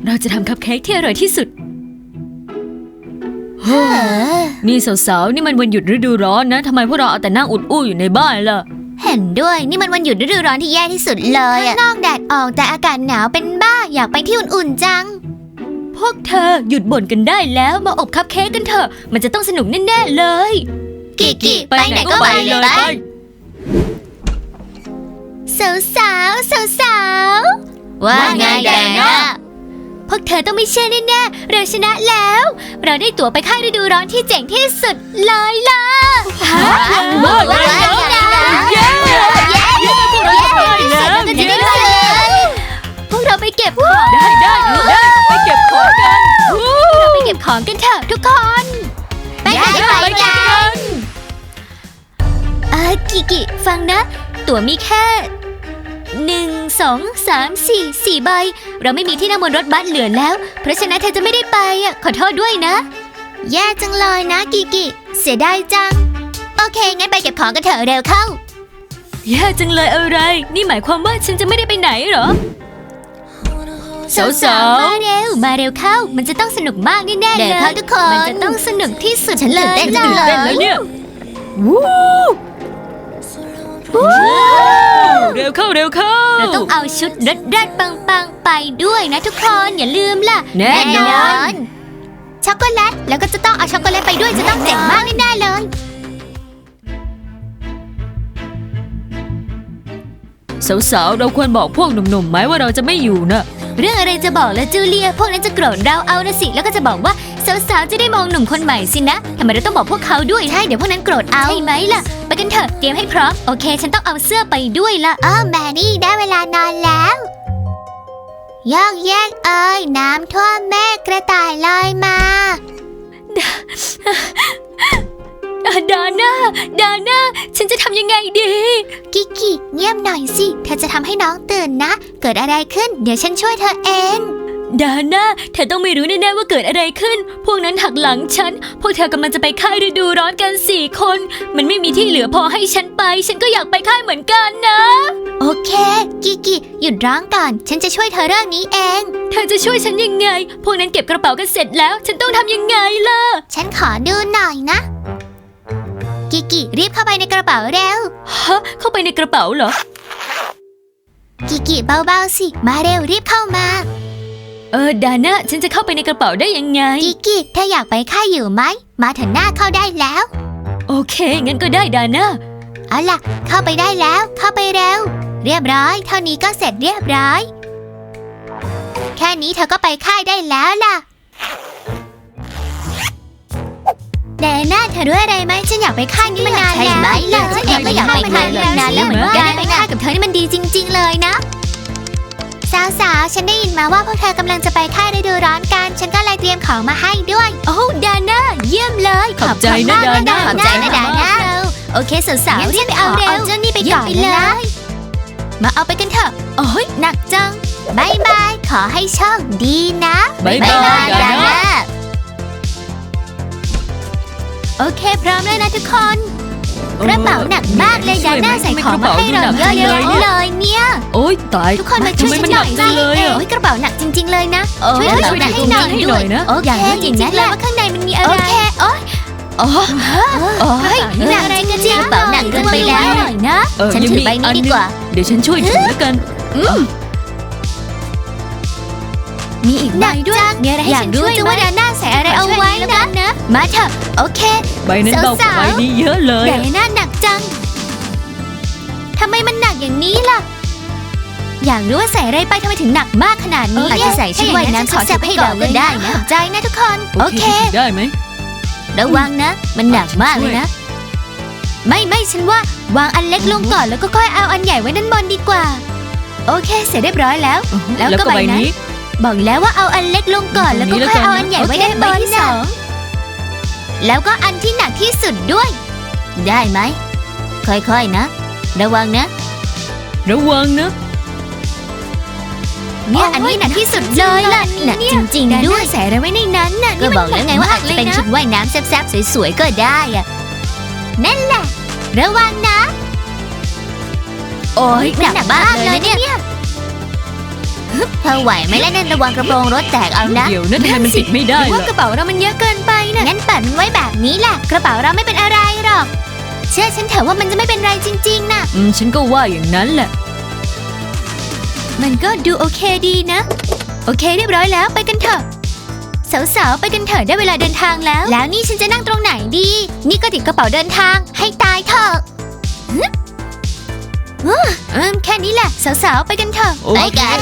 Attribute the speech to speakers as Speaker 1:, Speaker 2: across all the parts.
Speaker 1: เราจะทำคัพเค้กที่อร่อยที่สุดนี่สาวๆนี่มันวันหยุดฤดูร้อนนะทำไมพวกเราเอาแต่นั่งอุดอู้อยู่ในบ้านล่ะ
Speaker 2: เห็นด้วยนี่มันวันหยุดฤดูร้อนที่แย่ที่สุดเลยข้างนอกแดดออกแต่อากาศหนาวเป็นบ้าอยากไปที่อุ่นๆจัง
Speaker 1: พวกเธอหยุดบ่นกันได้แล้วมาอบคัพเค้กกันเถอะมันจะต้องสนุกแน่ๆเลย
Speaker 2: กิไปไหนก็ไปเลยไปสาวว่าไงแดน่า
Speaker 1: พวกเธอต้องไม่เชื่อแน่ๆเราชนะแล้วเราได้ตั๋วไปค่ายฤดูร้อนที่เจ๋งที่สุดเลยล่ะ
Speaker 2: ว่าไง
Speaker 1: พวกเราไปเก็บของได้ไปเก็บของกันเราไปเก็บของกันเถอะทุกคน
Speaker 2: ไปกัน
Speaker 1: กิฟังนะตั๋วมีแค่1 2 3 4 ใบเราไม่มีที่นั่งบนรถบัสเหลือแล้วเพราะฉะนั้นเธอจะไม่ได้ไปขอโทษด้วยนะ
Speaker 2: แย่จังเลยนะกิเสียดายจังโอเคงั้นไปเก็บของกันเถอะเร็วเข้า
Speaker 1: แย่จังเลยอะไรนี่หมายความว่าฉันจะไม่ได้ไปไหนเหรอสาวๆมาเร็วเข้ามันจะต้องสนุกมากแน่ๆเลย
Speaker 2: ทุกคน
Speaker 1: มันจะต้องสนุกที่สุด
Speaker 2: ฉันตื่นเต้นจังเลย
Speaker 1: เนี่ยเร็วเข้า
Speaker 2: เราต้องเอาชุดรัดปังไปด้วยนะทุกคนอย่าลืมล่ะ
Speaker 1: แน่นอน
Speaker 2: ช็อกโกแลตแล้วก็จะต้องเอาช็อกโกแลตไปด้วยจะต้องเจ๋งมากแน่ๆเลย
Speaker 1: สาวๆเราควรบอกพวกหนุ่มๆไหมว่าเราจะไม่อยู่นะ
Speaker 2: เรื่องอะไรจะบอกละจูเลียพวกนั้นจะโกรธเราเอานะสิแล้วก็จะบอกว่าสาวๆจะได้มองหนุ่มคนใหม่สินะทำไมเราต้องบอกพวกเขาด้วยใช่เดี๋ยวพวกนั้นโกรธเอาใช่ไหมล่ะไปกันเถอะเตรียมให้พร้อมโอเคฉันต้องเอาเสื้อไปด้วยละแมรี่ได้เวลานอนแล้วยอกแยกน้ำท่วมแม่กระต่ายลอยมา
Speaker 1: ดาน่าฉันจะทำยังไงดี
Speaker 2: กิเงียบหน่อยสิเธอจะทำให้น้องตื่นนะเกิดอะไรขึ้นเดี๋ยวฉันช่วยเธอเอง
Speaker 1: ดาน่าเธอต้องไม่รู้แน่ๆว่าเกิดอะไรขึ้นพวกนั้นหักหลังฉันพวกเธอกำลังจะไปค่ายฤดูร้อนกัน4 คนมันไม่มีที่เหลือพอให้ฉันไปฉันก็อยากไปค่ายเหมือนกันนะ
Speaker 2: โอเคกิหยุดร้องก่อนฉันจะช่วยเธอเรื่องนี้เอง
Speaker 1: เธอจะช่วยฉันยังไงพวกนั้นเก็บกระเป๋ากันเสร็จแล้วฉันต้องทำยังไงล่ะ
Speaker 2: ฉันขอดูหน่อยนะกิรีบเข้าไปในกระเป๋าเร็ว
Speaker 1: เข้าไปในกระเป๋าเหรอ
Speaker 2: กิเบาๆสิมาเร็วรีบเข้ามา
Speaker 1: ดาน่าฉันจะเข้าไปในกระเป๋าได้ยังไง
Speaker 2: กิเธออยากไปค่ายอยู่ไหมมาเถอะหน้าเข้าได้แล้ว
Speaker 1: โอเคงั้นก็ได้ดาน่า
Speaker 2: เอาล่ะเข้าไปได้แล้วเข้าไปเร็วเรียบร้อยเท่านี้ก็เสร็จเรียบร้อยแค่นี้เธอก็ไปค่ายได้แล้วล่ะแดน่าเธอรู้อะไรไหมฉันอยากไปค่ายนี้มานานแล้วใช่ไหมล่ะฉันเองก็อยากไปค่ายมานานแล้วเหมือนกันไปค่ายกับเธอนี่มันดีจริงๆเลยนะสาวๆฉันได้ยินมาว่าพวกเธอกำลังจะไปค่ายฤดูร้อนกันฉันก็เลยเตรียมของมาให้ด้วย
Speaker 1: โอ้ดาน่าเยี่ยมเลยขอบใจนะดาน่า
Speaker 2: ขอบใจนะดาน่าโอเคสาวๆรีบไปเอาเร็วเจ้านี่ไปก่อนเลยมาเอาไปกันเถอะ
Speaker 1: โอ้ย
Speaker 2: หนักจังบายขอให้โชคดีนะ
Speaker 1: บายดาน่า
Speaker 2: โอเคพร้อมแล้วนะทุกคนกระเป๋าหนักมากเลยดาน่าใส่ของมาให้เราเยอะๆเลยเนี่ย
Speaker 1: โอ๊ยตาย
Speaker 2: ทุกคนมาช่วยฉันหน่อยสิโอ๊ยกระเป๋าหนักจริงๆเลยนะช่วยกระเป๋าหนักให้หน่อยนะอย่างนี้จริงนะแล้วว่าข้างในมันมีอะไรโอเคโอ๊ยหนักจริงๆกระเป๋าหนักเกินไปแล้วหน่อยนะฉันถือใบนี้ดีกว่า
Speaker 1: เดี๋ยวฉันช่วยถือแล้วกัน
Speaker 2: มีอีกใบด้วยมีอะไรให้ฉันช่วยว่าดาน่าใส่อะไรเอาไว้นะมาเถอะโอเค
Speaker 1: ใบนั้นเบากว่าใบนี้เยอะเลย
Speaker 2: ดาน่าหนักจังทำไมมันหนักอย่างนี้ล่ะอยากรู้ว่าใส่อะไรไปทำไมถึงหนักมากขนาดนี้เนี่ยใส่ชุดว่ายน้ำขอจับให้เราก็ได้นะใจนะทุกคนโอเค
Speaker 1: ได้ไหม
Speaker 2: ระวังนะมันหนักมากเลยนะไม่ฉันว่าวางอันเล็กลงก่อนแล้วก็ค่อยเอาอันใหญ่ไว้ด้านบนดีกว่าโอเคเสร็จเรียบร้อยแล้วแล้วก็ใบนี้บอกแล้วว่าเอาอันเล็กลงก่อนแล้วก็ค่อยเอาอันใหญ่ไว้ด้านบนที่2แล้วก็อันที่หนักที่สุดด้วยได้ไหมค่อยๆนะระวังนะเนี่ยอันนี้หนักที่สุดเลยล่ะหนักจริงๆด้วยใส่อะไรไว้ในนั้นน่ะก็บอกแล้วไงว่าอาจจะเป็นชุดว่ายน้ำแซ่บๆสวยๆก็ได้อะนั่นแหละระวังนะโอ๊ยหนักมากเลยเนี่ยเธอไหวไหมล่ะนั่นระวังกระโปรงรถแตกเอานะ
Speaker 1: เดี๋ยวนะทำไมมันปิดไม่ได้
Speaker 2: หรือว่า
Speaker 1: ล่ะ
Speaker 2: กระเป๋าเรามันเยอะเกินไปนะงั้นปัดมันไว้แบบนี้แหละกระเป๋าเราไม่เป็นอะไรหรอกเชื่อฉันเถอะว่ามันจะไม่เป็นไรจริงๆนะ
Speaker 1: ฉันก็ว่าอย่างนั้นแหละ
Speaker 2: มันก็ดูโอเคดีนะโอเคเรียบร้อยแล้วไปกันเถอะสาวๆไปกันเถอะได้เวลาเดินทางแล้วนี่ฉันจะนั่งตรงไหนดีนี่ก็ติดกระเป๋าเดินทางให้ตายเถอะแค่นี้แหละสาวๆไปกันเถอะ
Speaker 1: โอเค
Speaker 2: ไปกัน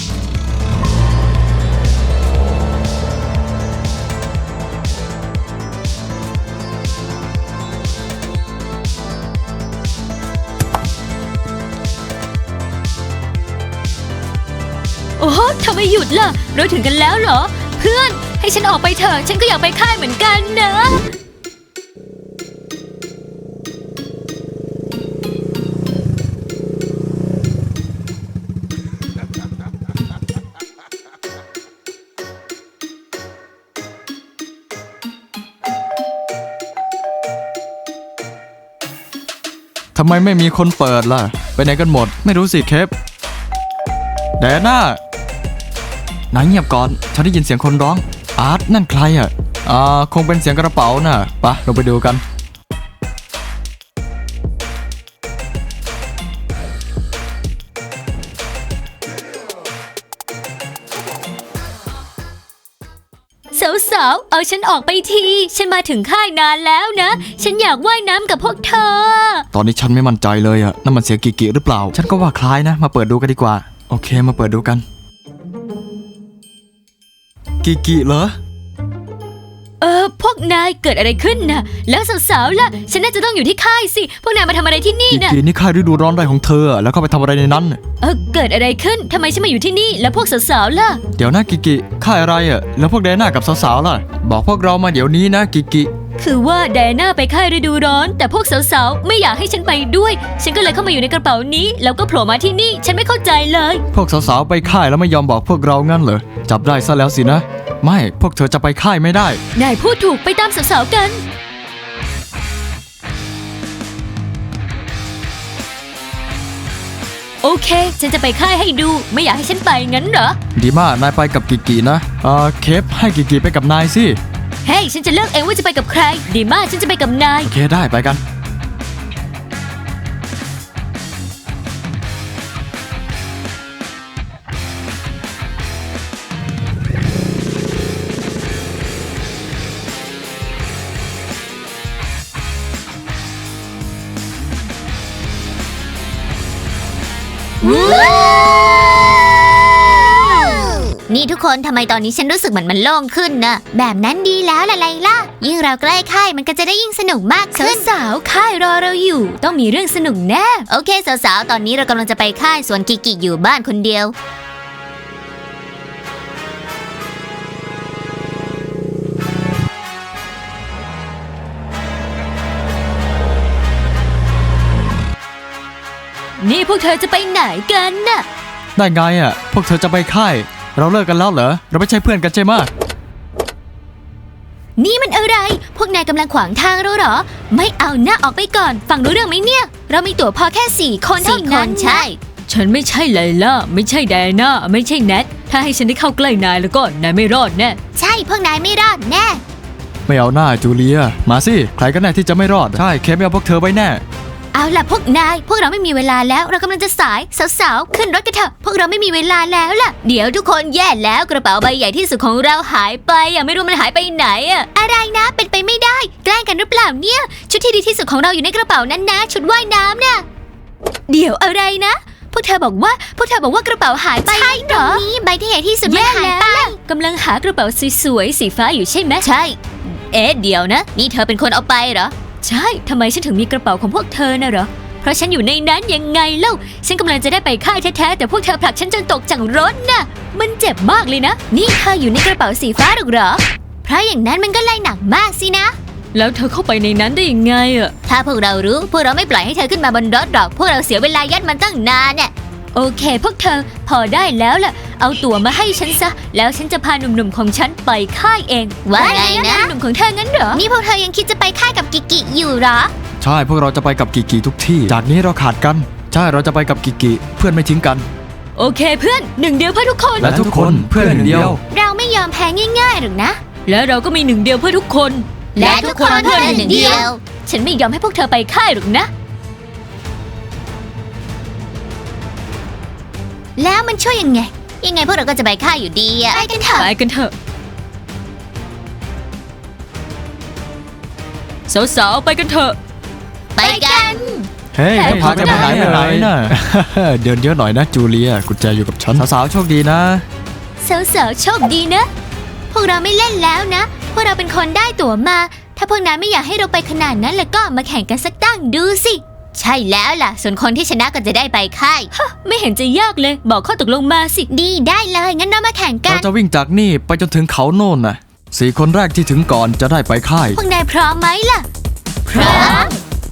Speaker 1: โอ้โหทำไมหยุดล่ะเราถึงกันแล้วเหรอ เพื่อนให้ฉันออกไปเถอะฉันก็อยากไปค่ายเหมือนกันนะ
Speaker 3: ทำไมไม่มีคนเปิดล่ะ ไปไหนกันหมด ไม่รู้สิเคปแดน่าไหนเงียบก่อน ฉันได้ยินเสียงคนร้อง อาร์ตนั่นใครอ่ะ คงเป็นเสียงกระเป๋าน่ะไปะเราไปดูกัน
Speaker 1: สาวๆเอาฉันออกไปทีฉันมาถึงค่ายนานแล้วนะ ฉันอยากว่ายน้ำกับพวกเธอ
Speaker 3: ตอนนี้ฉันไม่มั่นใจเลยอ่ะนั่นมันเสียงกิกิหรือเปล่า ฉันก็ว่าคล้ายนะ มาเปิดดูกันดีกว่า โอเคมาเปิดดูกัน กิกิเหรอ
Speaker 1: พวกนายเกิดอะไรขึ้นนะแล้วสาวๆล่ะฉันน่าจะต้องอยู่ที่ค่ายสิพวกนายมาทำอะไรที่นี่
Speaker 3: กิ
Speaker 1: นะ
Speaker 3: กินี่ค่ายฤดูร้อนอะไรของเธออะแล้วเข้าไปทำอะไรในนั้น
Speaker 1: เกิดอะไรขึ้นทำไมฉันมาอยู่ที่นี่แล้วพวกสาวๆล่ะ
Speaker 3: เดี๋ยวนะกิกิค่ายอะไรอ่ะ แล้วพวกแดน่ากับสาวๆล่ะ บอกพวกเรามาเดี๋ยวนี้นะกิกิ
Speaker 1: คือว่าไดอาน่าไปค่ายฤดูร้อน แต่พวกสาวๆไม่อยากให้ฉันไปด้วย ฉันก็เลยเข้ามาอยู่ในกระเป๋านี้แล้วก็โผล่มาที่นี่ฉันไม่เข้าใจเลย
Speaker 3: พวกสาวๆไปค่ายแล้วไม่ยอมบอกพวกเรางั้นเหรอ จับได้ซะแล้วสินะ ไม่พวกเธอจะไปค่ายไม่ได้
Speaker 1: นายพูดถูกไปตามสาวๆกัน โอเค ฉันจะไปค่ายให้ดู ไม่อยากให้ฉันไปงั้นเหรอ
Speaker 3: ดีมากนายไปกับกิกินะเคปให้กิกิไปกับนายสิ
Speaker 1: เฮ้ยฉันจะเลือกเองว่าจะไปกับใคร ดีมากฉันจะไปกับนาย
Speaker 3: โอเคได้ไปกัน
Speaker 2: นี่ทุกคนทำไมตอนนี้ฉันรู้สึกเหมือนมันโล่งขึ้นนะแบบนั้นดีแล้วล่ะไลล่ายิ่งเราใกล้ค่ายมันก็จะได้ยิ่งสนุกมากขึ้น
Speaker 1: สาวๆค่ายรอเราอยู่ ต้องมีเรื่องสนุกแน่
Speaker 2: โอเคสาวๆตอนนี้เรากำลังจะไปค่ายส่วนกิกิอยู่บ้านคนเดียว
Speaker 1: นี่พวกเธอจะไปไหนกันน่ะ
Speaker 3: ได้ไงอ่ะ พวกเธอจะไปค่าย เราเลิกกันแล้วเหรอ เราไม่ใช่เพื่อนกันใช่ไหมะ
Speaker 2: นี่มันอะไร พวกนายกำลังขวางทางเราเหรอ ไม่เอาหน้าออกไปก่อน ฟังรู้เรื่องไหมเนี่ย เรามีตั๋วพอแค่4 คนเท่านั้นใช่
Speaker 1: ฉันไม่ใช่ไลล่าไม่ใช่ไดอาน่าไม่ใช่แนทถ้าให้ฉันได้เข้าใกล้นายแล้วก็นายไม่รอดแน่
Speaker 2: ใช่พวกนายไม่รอดแน่
Speaker 3: ไม่เอาหน้าจูเลีย มาสิ ใครกันแน่ที่จะไม่รอด ใช่เคปไม่เอาพวกเธอไว้แน่
Speaker 2: เอาล่ะพวกนาย พวกเราไม่มีเวลาแล้ว เรากำลังจะสายสาวๆขึ้นรถกันเถอะ พวกเราไม่มีเวลาแล้วล่ะ เดี๋ยวทุกคนแย่แล้วกระเป๋าใบใหญ่ที่สุดของเราหายไปไม่รู้มันหายไปไหนอะไรนะเป็นไปไม่ได้แกล้งกันหรือเปล่าเนี่ยชุดที่ดีที่สุดของเราอยู่ในกระเป๋านั้นนะชุดว่ายน้ำน่ะเดี๋ยวอะไรนะพวกเธอบอกว่ากระเป๋าหายไปใช่เหรอนี่ใบที่ใหญ่ที่สุดมันหายไป
Speaker 1: กำลังหากระเป๋าสวยๆสีฟ้าอยู่ใช่ไหม
Speaker 2: ใช่เดี๋ยวนะนี่เธอเป็นคนเอาไปเหรอ
Speaker 1: ใช่ทำไมฉันถึงมีกระเป๋าของพวกเธอน่ะเหรอเพราะฉันอยู่ในนั้นยังไงเล่าฉันกำลังจะได้ไปค่ายแท้ๆแต่พวกเธอผลักฉันจนตกจากรถน่ะมันเจ็บมากเลยนะ
Speaker 2: นี่เธออยู่ในกระเป๋าสีฟ้าหรอกเหรอเพราะอย่างนั้นมันก็เลยหนักมากสินะ
Speaker 1: แล้วเธอเข้าไปในนั้นได้ยังไง
Speaker 2: ถ้าพวกเรารู้พวกเราไม่ปล่อยให้เธอขึ้นมาบนรถหรอกพวกเราเสียเวลายัดมันตั้งนานเนี่ย
Speaker 1: โอเคพวกเธอพอได้แล้วล่ะเอาตั๋วมาให้ฉันซะแล้วฉันจะพาหนุ่มๆของฉันไปค่ายเอง
Speaker 2: ว่าไงนะ
Speaker 1: หนุ่มของเธองั้นเหรอ
Speaker 2: นี่พวกเธอยังคิดจะไปค่ายกับกิกิอยู่เหรอ
Speaker 3: ใช่พวกเราจะไปกับกิกิทุกที่ จากนี้เราขาดกัน ใช่เราจะไปกับกิกิเพื่อนไม่ทิ้งกัน
Speaker 1: โอโอเคเพื่อนหนึ่งเดียวเพื่อทุกคน
Speaker 3: และทุกคนเพื่อนหนึ่งเดียว
Speaker 2: เราไม่ยอมแพ้ง่ายๆหรอกนะ
Speaker 1: และเราก็มีหนึ่งเดียวเพื่อทุกคน
Speaker 2: และทุกคนเพื่อนหนึ่งเดียว
Speaker 1: ฉันไม่ยอมให้พวกเธอไปค่ายหรอกนะ
Speaker 2: แล้วมันช่วยยังไง ยังไงพวกเราก็จะไปค่ายอยู่ดีอะไปกันเถอะ
Speaker 1: ไปกันเถอะสาวๆไปกันเถอะ
Speaker 2: ไปกัน
Speaker 3: เฮ้ยจะพากันไปไหนน่ะ เดินเยอะหน่อยนะจูเลียกุญแจอยู่กับฉันสาวๆโชคดีนะ
Speaker 1: สาวๆโชคดีนะ
Speaker 2: พวกเราไม่เล่นแล้วนะ พวกเราเป็นคนได้ตั๋วมา ถ้าพวกนั้นไม่อยากให้เราไปขนาดนั้นแล้วก็มาแข่งกันสักตั้งดูสิ ใช่แล้วล่ะ ส่วนคนที่ชนะก็จะได้ไปค่าย
Speaker 1: ไม่เห็นจะยากเลย บอกข้อตกลงมาสิ
Speaker 2: ดีได้เลย งั้นเรามาแข่งกั
Speaker 3: เรา
Speaker 2: น
Speaker 3: จะวิ่งจากนี่ไปจนถึงเขาโน่นน่ะ4 คนแรกที่ถึงก่อนจะได้ไปค่าย
Speaker 2: พวกนายพร้อมไหมล่ะ
Speaker 1: พร้อม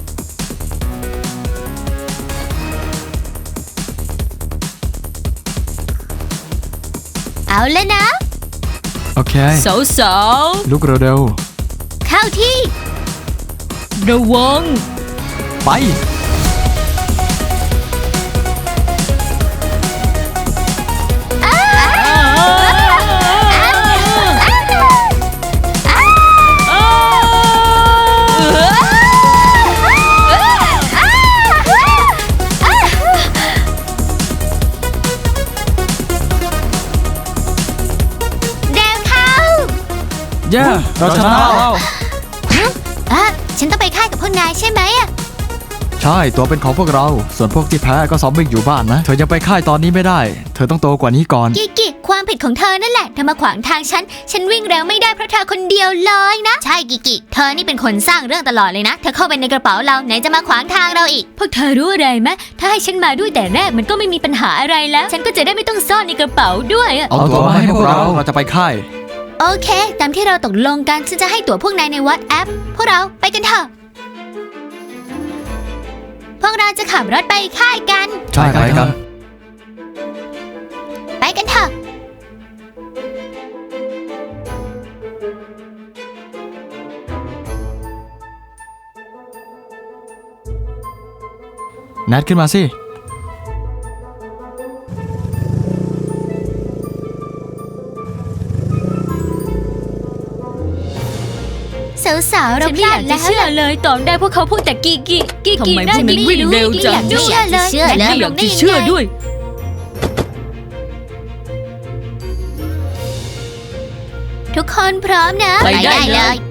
Speaker 2: เอาแล้วนะ
Speaker 3: โอเค
Speaker 1: สาว
Speaker 3: ลุกเร็ว
Speaker 2: เข้าที่
Speaker 1: ๆระวัง
Speaker 3: ๆไป
Speaker 2: เร็วเข้า
Speaker 3: เย้เราชนะแล้ว
Speaker 2: อ่ะฉันต้องไปค่ายกับพวกนายใช่ไหมอะ
Speaker 3: ใช่ตัวเป็นของพวกเรา ส่วนพวกที่แพ้ก็ซ้อมวิ่งอยู่บ้านนะ เธอยังไปค่ายตอนนี้ไม่ได้ เธอต้องโตกว่านี้ก่อน
Speaker 2: กิกิความผิดของเธอนั่นแหละเธอมาขวางทางฉันวิ่งเร็วไม่ได้เพราะเธอคนเดียวเลยนะ ใช่กิกิเธอนี่เป็นคนสร้างเรื่องตลอดเลยนะ เธอเข้าไปในกระเป๋าเราไหนจะมาขวางทางเราอีก
Speaker 1: พวกเธอรู้อะไรไหมถ้าให้ฉันมาด้วยแต่แรกมันก็ไม่มีปัญหาอะไรแล้ว ฉันก็จะได้ไม่ต้องซ่อนในกระเป๋าด้วยอะ
Speaker 3: เอาตัวมาให้พวกเราจะไปค่าย
Speaker 2: โอเค ตามที่เราตกลงกันฉันจะให้ตั๋วพวกนายในวอทแอปพวกเราไปกันเถอะพวกเราจะขับรถไปค่ายกัน
Speaker 3: ใช่ไปกัน
Speaker 2: ไปกันเถอะ
Speaker 3: แนทขึ้นมาสิ
Speaker 2: สาวๆเรา
Speaker 1: ฉัน
Speaker 2: พ
Speaker 1: ไม่อ
Speaker 2: ลาด
Speaker 1: ยากจะ
Speaker 2: แล้ว
Speaker 1: เชื่อเลยตอนแรกพวกเขาพูดแต่กี
Speaker 2: ทำไม
Speaker 1: น่า
Speaker 2: พวก
Speaker 1: จะ
Speaker 2: นี้
Speaker 1: วิ่งเร็วจัง
Speaker 2: ไม่อยากจะเชื่อเลย
Speaker 1: ฉันไม่อยากจะเชื่อด้วย
Speaker 2: ทุกคนพร้อมนะ
Speaker 1: ไปได้เลย
Speaker 2: ไ